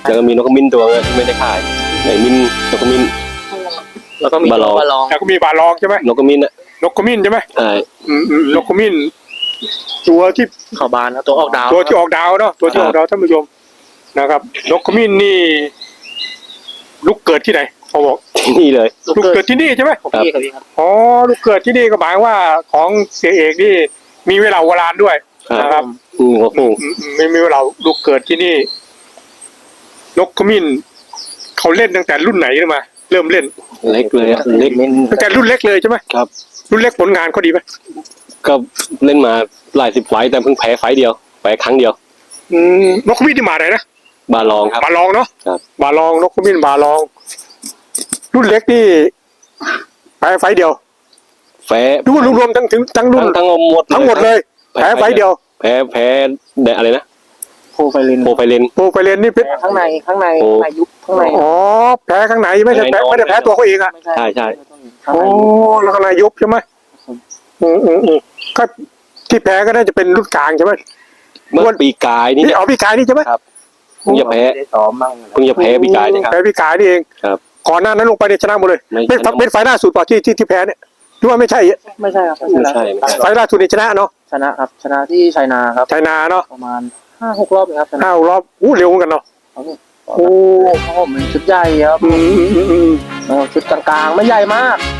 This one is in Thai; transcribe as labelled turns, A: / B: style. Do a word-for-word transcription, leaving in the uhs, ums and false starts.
A: แล้วก็มีนกขมิ้นตัวนึงที่ไม่ได้ขายไอ้มิ้นนกขมิ้น
B: แล้วก็มี
A: บาลอง
B: บาลอง
C: แล้วก็มีบาลองใช่ไหม
A: นกขมิ้นอ่ะ
C: นกขมิ้นใช่ไหม
A: ใช่
C: อืมอืมนกขมิ้นตัวที่
B: เข่าบานนะตัวออกดาว
C: ตัวที่ออกดาวเนาะตัวที่ออกดาวท่านผู้ชมนะครับนกขมิ้นนี่ลูกเกิดที่ไหนเขาบอก
A: ที่นี่เลย
B: ลูก
C: ลูก
B: เกิ
C: เกิ
B: ด
C: ดที่นี่ใช่ไหม
B: ของพี่ครับพี่ครับ
C: อ๋อลูกเกิดที่นี่ก็หมายว่าของเสียเอกนี่มีเวลาโบราณด้วย
A: ครับ
C: นะครับ
A: อืมหัวฟู
C: อืมอืมไม่มีเวลาลูกเกิดที่นี่ นกขมิ้นเขาเล่นตั้งแต่รุ่นไหนขึ้นมา เริ่มเล่น
A: เล็กเลยอะเล็ก
C: ตั้งแต่รุ่นเล็กเลยใช่ไหม
A: ครับ
C: รุ่นเล็กผลงานเขาดีไหม
A: ก็เล่นมาหลายสิบไฟต์แต่เพิ่งแพ้ไฟต์เดียวแพ้ครั้งเดียว
C: อืมนกขมิ้นที่มาไหนนะ
A: บาลองครับ
C: บาลองเนาะ
A: ครับ
C: บาลองนกขมิ้นบาลอง รุ่นเล็กนี่แพ้ไฟต์เดียว
A: แพ้
C: ดูรวมๆทั้งถึงทั้งรุ่
A: ทั้
C: น
A: งทั้งหมด
C: ทั้งหมดเลย แพ้ไฟต์เดียว
A: แพ้แพ้ได้อะไรนะ
B: โพไฟเลน
A: โปรไฟเลน
C: โปรไฟเลนนี่เป็น
B: ข้างในข้างใน
A: โอ้
B: ข้างในยุบข้างใน
C: อ๋อแพ้ข้างในไม่ใช่แพ้ไม่ได้แพ้ตัวเขาเองอ่ะ
B: ไม่ใช่
A: ใช่ใช่
B: ข้าง
C: โอ้
B: ใน
C: แล้วข้างในยุบใช่ไหมอืมอืมอืมก็ที่แพ้ก็น่าจะเป็นรุ่นกลางใช่ไหม
A: เมื่อปีกายนี่
C: นี่เอาพี่กายนี่ใช่ไหม
A: ครับเพิ่งจะแพ้
B: ไม่ได้ซ้อมบ้าง
A: เพิ่งจะแพ้ปีกายนี่ครับ
C: แพ้พี่กายนี่เอง
A: ครับ
C: ก่อนหน้านั้นลงไปเนี่ยชนะหมดเลย
A: ไม่
C: เป็น
A: ชนะ
C: เป็นไฟล์ล่าสุดเปล่าที่ที่ที่แพ้เนี่ยหรือว่าไม่ใช่
B: ไม่ใช่ครับ
A: ไม่ใช่ไม่ใช่
C: ไฟล์ล่าสุดนี่ชนะเนาะ
B: ชนะครับชนะที่ชัยนาครับ
C: ไชยนาเนาะ
B: ประมาณห้าหกรอบเองครับชนะ
C: ห้ารอบอู้เร็วเหมือนกันเนาะ
B: ครับผม
C: โอ้
B: เพราะผมเป็นชุดใหญ่ครับ
C: อืมอืมอืมอืม
B: เออชุดกลางๆไม่ใหญ่มาก